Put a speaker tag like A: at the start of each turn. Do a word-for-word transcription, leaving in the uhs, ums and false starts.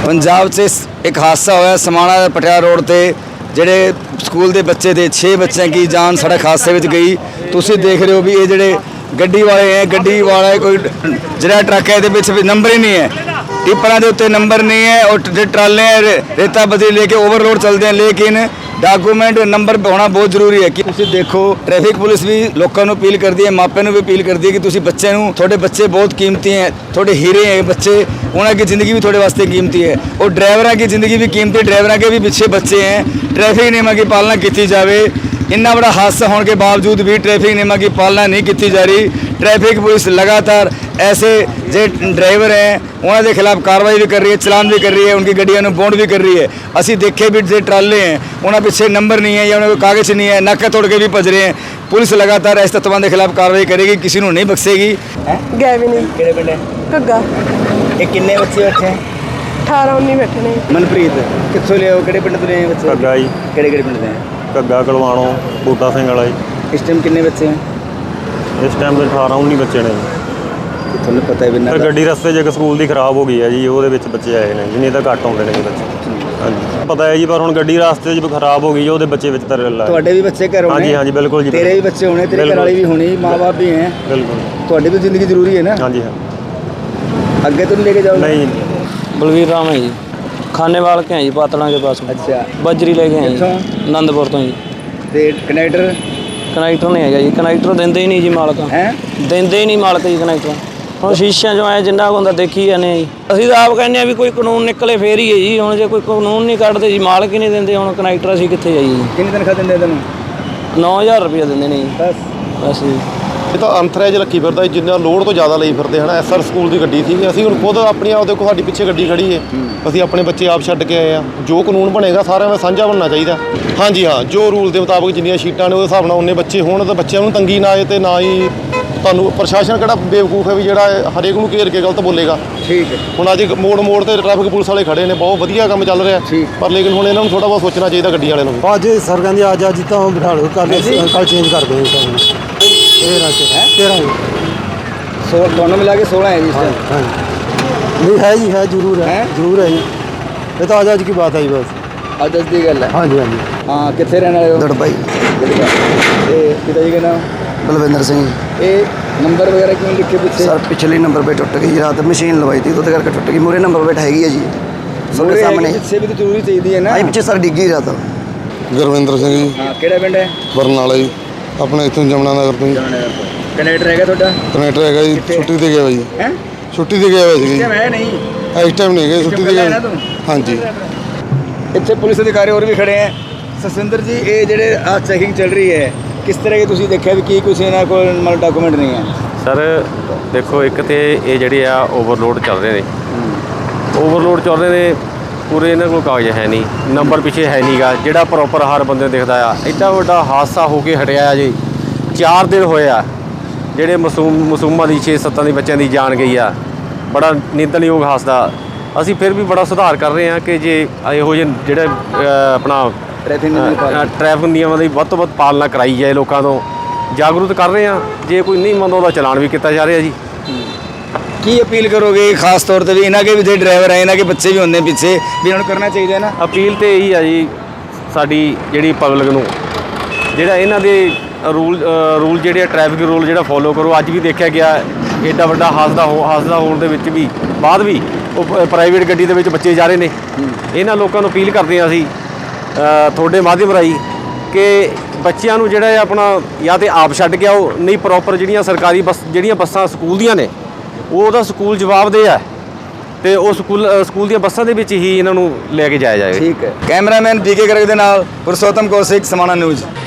A: पंजाब से एक हादसा होया समाणा पटियाला रोड ते ਜਿਹੜੇ ਸਕੂਲ ਦੇ ਬੱਚੇ ਦੇ छे ਬੱਚਿਆਂ की जान सड़क हादसे ਵਿੱਚ ਗਈ। ਤੁਸੀਂ ਦੇਖ ਰਹੇ ਹੋ ਵੀ ਇਹ ਜਿਹੜੇ ਗੱਡੀ ਵਾਲੇ ਹੈ ਗੱਡੀ ਵਾਲਾ ਕੋਈ ਜਿਹੜਾ ਟਰੱਕ ਹੈ ਇਹਦੇ ਵਿੱਚ ਵੀ ਨੰਬਰ ਹੀ ਨਹੀਂ ਹੈ, ਟਿੱਪਰਾਂ ਦੇ ਉੱਤੇ ਨੰਬਰ नहीं है और जो ट्राले रेता बजरी लेके ओवरलोड चलते हैं, लेकिन डॉक्यूमेंट नंबर होना बहुत ਜ਼ਰੂਰੀ है कि ਤੁਸੀਂ देखो ट्रैफिक पुलिस भी लोगों को अपील करती है, मापिਆਂ ਨੂੰ भी अपील करती है कि ਤੁਸੀਂ ਬੱਚੇ ਨੂੰ ਤੁਹਾਡੇ ਬੱਚੇ बहुत कीमती हैं, ਤੁਹਾਡੇ हीरे हैं बच्चे, उन्हों की ज़िंदगी भी थोड़े वास्ते कीमती है और ड्राइवरों की ज़िंदगी भी कीमती, ड्राइवरों के भी पीछे बच्चे हैं। ट्रैफिक नियमों की पालना की जाए। इन्ना बड़ा हादसा होने के बावजूद भी ट्रैफिक नियमों की पालना नहीं की जा रही। ट्रैफिक पुलिस लगातार ऐसे जो ड्राइवर हैं उन्होंने खिलाफ कार्रवाई भी कर रही है, चलान भी कर रही है, उनकी गड्डियों में बॉन्ड भी कर रही है। असी देखे भी जो ट्राले हैं उन्होंने पीछे नंबर नहीं है या उन्होंने कागज़ नहीं है, नाका तोड़ के भी भज रहे हैं। पुलिस लगातार इस तत्वों के खिलाफ कार्रवाई करेगी, किसी को नहीं बख्शेगी।
B: गए भी नहीं
A: किहड़े पिंड है
B: घग्गा
A: ये किन्ने बच्चे बैठे हैं?
B: अठारह उन्नीस बैठे ने।
A: मनप्रीत कित्थों ले आओ, किहड़े पिंड तो ले आए बच्चे?
C: घग्गा जी।
A: किहड़े किहड़े पिंड दे हैं?
C: घग्गा कलवाणों बूटा सिंह वाला जी।
A: इस टाइम किन्ने बच्चे हैं?
C: इस टाइम ਦੇ अठारह उन्नीस ਬੱਚੇ ਨੇ।
A: ਤੁਹਾਨੂੰ ਪਤਾ ਹੈ ਵੀ ਨਾ
C: ਗੱਡੀ ਰਸਤੇ 'ਚ ਇੱਕ ਸਕੂਲ ਦੀ ਖਰਾਬ ਹੋ ਗਈ ਹੈ ਜੀ, ਉਹਦੇ ਵਿੱਚ ਬੱਚੇ ਆਏ ਨੇ, ਜਿੰਨੇ ਤਾਂ ਘੱਟ ਆਉਂਦੇ ਨੇ ਜੀ ਬੱਚੇ। ਹਾਂਜੀ ਪਤਾ ਹੈ ਜੀ, ਪਰ ਹੁਣ ਗੱਡੀ ਰਸਤੇ 'ਚ ਖਰਾਬ ਹੋ ਗਈ, ਉਹਦੇ ਬੱਚੇ ਵਿੱਚ ਤਰ ਲਾ।
A: ਤੁਹਾਡੇ ਵੀ ਬੱਚੇ ਘਰ ਹੋਣੇ?
C: ਹਾਂਜੀ ਹਾਂਜੀ ਬਿਲकुल ਜੀ।
A: ਤੇਰੇ ਵੀ ਬੱਚੇ ਹੋਣੇ, ਤੇਰੇ ਘਰ ਵਾਲੀ ਵੀ ਹੋਣੀ, ਮਾਂ-ਬਾਪ ਵੀ ਹੈ।
C: ਬਿਲਕੁਲ
A: ਤੁਹਾਡੀ ਵੀ ਜ਼ਿੰਦਗੀ ਜ਼ਰੂਰੀ ਹੈ ਨਾ।
C: ਹਾਂਜੀ ਹਾਂ।
A: ਅੱਗੇ ਤੋਂ ਲੈ ਕੇ ਜਾओगे?
C: नहीं
D: बलवीर राम है जी, खानेवाल के हैं जी, पातला के पास।
A: अच्छा
D: बजरी लेके आए
A: कित्थों?
D: जी आनंदपुर तो जी।
A: ਤੇ ਕਨੈਕਟਰ
D: ਕਨੈਕਟਰ ਨਹੀਂ ਹੈਗਾ ਜੀ, ਕਨੈਕਟਰ ਦਿੰਦੇ ਹੀ ਨਹੀਂ ਜੀ ਮਾਲਕ,
A: ਹੈ
D: ਦਿੰਦੇ ਹੀ ਨਹੀਂ ਮਾਲਕ ਜੀ ਕਨੈਕਟਰ। ਹੁਣ ਸ਼ੀਸ਼ਿਆਂ 'ਚੋਂ ਆਏ ਜਿੰਨਾ ਕੁ ਹੁੰਦਾ ਦੇਖੀ ਜਾਂਦੇ ਆ ਜੀ। ਅਸੀਂ ਤਾਂ ਆਪ ਕਹਿੰਦੇ ਆ ਵੀ ਕੋਈ ਕਾਨੂੰਨ ਨਿਕਲੇ ਫੇਰ ਹੀ ਹੈ ਜੀ। ਹੁਣ ਜੇ ਕੋਈ ਕਾਨੂੰਨ ਨਹੀਂ ਕੱਢਦੇ ਜੀ, ਮਾਲਕ ਹੀ ਨਹੀਂ ਦਿੰਦੇ, ਹੁਣ ਕਨੈਕਟਰ ਅਸੀਂ ਕਿੱਥੇ ਜਾਈਏ ਜੀ।
A: ਕਿੰਨੀ ਤਨਖਾਹ ਦਿੰਦੇ ਤੈਨੂੰ?
D: ਨੌ ਹਜ਼ਾਰ ਰੁਪਇਆ ਦਿੰਦੇ ਨੇ ਜੀ
A: ਬਸ
D: ਬਸ ਜੀ।
E: ਇਹ ਤਾਂ ਅੰਥਰੇਜ ਰੱਖੀ ਫਿਰਦਾ, ਜਿੰਨਾ ਲੋਡ ਤੋਂ ਜ਼ਿਆਦਾ ਲਈ ਫਿਰਦੇ ਹਨ। ਐਸਆਰ ਸਕੂਲ ਦੀ ਗੱਡੀ ਸੀ, ਅਸੀਂ ਹੁਣ ਖੁਦ ਆਪਣੀ ਆਪ ਦੇਖੋ ਸਾਡੀ ਪਿੱਛੇ ਗੱਡੀ ਖੜੀ ਹੈ, ਅਸੀਂ ਆਪਣੇ ਬੱਚੇ ਆਪ ਛੱਡ ਕੇ ਆਏ ਆ। ਜੋ ਕਾਨੂੰਨ ਬਣੇਗਾ ਸਾਰਿਆਂ ਦਾ ਸਾਂਝਾ ਬਣਨਾ ਚਾਹੀਦਾ। ਹਾਂਜੀ ਹਾਂ, ਜੋ ਰੂਲ ਦੇ ਮੁਤਾਬਕ ਜਿੰਨੀਆਂ ਸੀਟਾਂ ਨੇ ਉਹਦੇ ਹਿਸਾਬ ਨਾਲ ਉਨੇ ਬੱਚੇ ਹੋਣ ਤਾਂ ਬੱਚਿਆਂ ਨੂੰ ਤੰਗੀ ਨਾ ਆਏ ਤੇ ਨਾ ਹੀ ਤੁਹਾਨੂੰ ਪ੍ਰਸ਼ਾਸਨ ਕਿਹੜਾ ਬੇਵਕੂਫ ਹੈ ਵੀ ਜਿਹੜਾ ਹਰੇਕ ਨੂੰ ਘੇਰ ਕੇ ਗਲਤ ਬੋਲੇਗਾ।
A: ਠੀਕ ਹੈ।
E: ਹੁਣ ਅੱਜ ਮੋੜ ਮੋੜ ਤੇ ਟ੍ਰੈਫਿਕ ਪੁਲਿਸ ਵਾਲੇ ਖੜੇ ਨੇ, ਬਹੁਤ ਵਧੀਆ ਕੰਮ ਚੱਲ ਰਿਹਾ, ਪਰ ਲੇਕਿਨ ਹੁਣ ਇਹਨਾਂ ਨੂੰ ਥੋੜਾ ਬਹੁਤ ਸੋਚਣਾ ਚਾਹੀਦਾ ਗੱਡੀ ਵਾਲਿਆਂ ਨੂੰ।
F: ਅੱਜ ਸਰ ਕਹਿੰਦੇ ਅੱਜ ਅੱਜ ਤਾਂ ਬਿਠਾ ਲਓ, ਕੱਲ ਕੱਲ ਚੇਂਜ ਕਰ ਦਿਓ ਸਾਨੂੰ। तेरह से है तेरह
A: सोलह दोनों मिला के सोलह है जी इस टाइम।
F: हाँ नहीं है जी, है जरूर है, जरूर है जी। ये तो आज आज की बात है जी बस।
A: आज दस दी गल है।
F: हाँ जी हाँ जी।
A: हाँ कितने रहने वाले हो?
F: दड़बाई।
A: ते पिताजी का नाम?
F: बलविंदर सिंह।
A: ये नंबर वगैरह क्यों लिखे पीछे?
F: सर पिछले नंबर पे टुट गई, रात मशीन लवाई थी तो करके टुट गई। मुरे नंबर पे हैगी है जी सबके सामने।
A: पीछे भी तो जरूरी चाहिए है ना।
F: आई पीछे सर डिग्गी रहा था।
G: ਗੁਰਵਿੰਦਰ ਸਿੰਘ ਜੀ।
A: हाँ केड़ा पिंड है?
G: ਬਰਨਾਲਾ ਜੀ, ਆਪਣੇ ਇੱਥੋਂ ਜਮਨਾ ਨਗਰ ਤੋਂ ਜੀ।
A: कनेक्टर है ਤੁਹਾਡਾ?
G: ਕਨੈਕਟਰ ਹੈਗਾ ਜੀ, ਛੁੱਟੀ ਤੇ ਗਿਆ ਵਾ ਜੀ।
A: ਹੈ
G: ਛੁੱਟੀ ਤੇ ਗਿਆ ਵਾ ਜੀ।
A: ਹੈ ਨਹੀਂ
G: ਇਸ ਟਾਈਮ ਨਹੀਂ ਗਏ, ਛੁੱਟੀ ਤੇ ਗਿਆ। ਹਾਂਜੀ
A: ਇੱਥੇ ਪੁਲਿਸ ਅਧਿਕਾਰੀ ਹੋਰ ਵੀ ਖੜੇ ਹੈ। ਸਸਿੰਦਰ ਜੀ ਇਹ ਜਿਹੜੇ ਆ ਚੈਕਿੰਗ ਚੱਲ ਰਹੀ ਹੈ, ਕਿਸ ਤਰ੍ਹਾਂ ਦੀ ਤੁਸੀਂ ਦੇਖਿਆ ਵੀ ਕੀ ਕੁਛ ਇਹਨਾਂ ਕੋਲ ਮਤਲਬ ਡਾਕੂਮੈਂਟ ਨਹੀਂ ਹੈ?
H: ਸਰ ਦੇਖੋ, ਇੱਕ ਤੇ ਇਹ ਜਿਹੜੇ ਆ ਓਵਰਲੋਡ ਚੱਲ ਰਹੇ ਨੇ, ਓਵਰਲੋਡ ਚੱਲ ਰਹੇ ਨੇ ਪੂਰੇ, ਇਹਨਾਂ ਕੋਲ ਕਾਗਜ਼ ਹੈ ਨਹੀਂ, ਨੰਬਰ ਪਿੱਛੇ ਹੈ ਨਹੀਂਗਾ ਜਿਹੜਾ ਪ੍ਰੋਪਰ ਹਰ ਬੰਦੇ ਨੂੰ ਦਿਖਦਾ ਆ। ਇੱਡਾ ਵੱਡਾ ਹਾਦਸਾ ਹੋ ਕੇ ਹਟਿਆ ਆ ਜੀ, ਚਾਰ ਦਿਨ ਹੋਏ ਆ ਜਿਹੜੇ ਮਾਸੂਮ ਮਾਸੂਮਾਂ ਦੀ ਛੇ ਸੱਤਾਂ ਦੇ ਬੱਚਿਆਂ ਦੀ ਜਾਨ ਗਈ ਆ। ਬੜਾ ਨਿੰਦਣਯੋਗ ਹਾਦਸਾ। ਅਸੀਂ ਫਿਰ ਵੀ ਬੜਾ ਸੁਧਾਰ ਕਰ ਰਹੇ ਹਾਂ ਕਿ ਜੇ ਇਹੋ ਜਿਹੇ ਜਿਹੜੇ ਆਪਣਾ ਟ੍ਰੈਫਿਕ ਨਿਯਮਾਂ ਦੀ ਵੱਧ ਤੋਂ ਵੱਧ ਪਾਲਣਾ ਕਰਾਈ ਜਾਏ, ਲੋਕਾਂ ਤੋਂ ਜਾਗਰੂਕ ਕਰ ਰਹੇ ਹਾਂ। ਜੇ ਕੋਈ ਨਹੀਂ ਮੰਨਦਾ ਉਹਦਾ ਚਲਾਨ ਵੀ ਕੀਤਾ ਜਾ ਰਿਹਾ ਜੀ।
A: ਕੀ ਅਪੀਲ ਕਰੋਗੇ ਖਾਸ ਤੌਰ ਤੇ ਵੀ ਇਹਨਾਂ ਕੇ ਵੀ ਜਿਹੜੇ ਡਰਾਈਵਰ ਹੈ, ਇਹਨਾਂ ਕੇ ਬੱਚੇ ਵੀ ਹੁੰਦੇ ਪਿੱਛੇ, ਵੀ ਇਹਨਾਂ ਨੂੰ ਕਰਨਾ ਚਾਹੀਦਾ ਨਾ?
H: ਅਪੀਲ ਤੇ ਇਹੀ ਆ ਜੀ ਸਾਡੀ ਜਿਹੜੀ ਪਬਲਿਕ ਨੂੰ, ਜਿਹੜਾ ਇਹਨਾਂ ਦੇ ਰੂਲ ਰੂਲ ਜਿਹੜੇ ਟ੍ਰੈਫਿਕ ਰੂਲ ਜਿਹੜਾ ਫੋਲੋ ਕਰੋ। ਅੱਜ ਵੀ ਦੇਖਿਆ ਗਿਆ ਐਡਾ ਵੱਡਾ ਹਾਦਸਾ ਹੋ ਹਾਦਸਾ ਹੋਣ ਦੇ ਵਿੱਚ ਵੀ ਬਾਅਦ ਵੀ ਉਹ ਪ੍ਰਾਈਵੇਟ ਗੱਡੀ ਦੇ ਵਿੱਚ ਬੱਚੇ ਜਾ ਰਹੇ ਨੇ। ਇਹਨਾਂ ਲੋਕਾਂ ਨੂੰ ਅਪੀਲ ਕਰਦੇ ਹਾਂ ਅਸੀਂ ਤੁਹਾਡੇ ਮਾਧਿਅਮ ਰਾਹੀਂ ਕਿ ਬੱਚਿਆਂ ਨੂੰ ਜਿਹੜਾ ਆਪਣਾ ਜਾਂ ਤਾਂ ਆਪ ਛੱਡ ਕੇ ਆਓ, ਨਹੀਂ ਪ੍ਰੋਪਰ ਜਿਹੜੀਆਂ ਸਰਕਾਰੀ ਬੱਸ ਜਿਹੜੀਆਂ ਬੱਸਾਂ ਸਕੂਲ ਦੀਆਂ ਨੇ ਉਹਦਾ ਸਕੂਲ ਜਵਾਬਦੇਹ ਹੈ ਤੇ ਉਹ ਸਕੂਲ ਸਕੂਲ ਦੀਆਂ ਬੱਸਾਂ ਦੇ ਵਿੱਚ ਹੀ ਇਹਨਾਂ ਨੂੰ ਲੈ ਕੇ ਜਾਇਆ ਜਾਏ।
A: ਠੀਕ ਹੈ। ਕੈਮਰਾਮੈਨ ਬੀਕੇ ਗਰਗ ਦੇ ਨਾਲ ਪੁਰਸ਼ੋਤਮ ਕੌਸ਼ਿਕ, ਸਮਾਣਾ ਨਿਊਜ਼।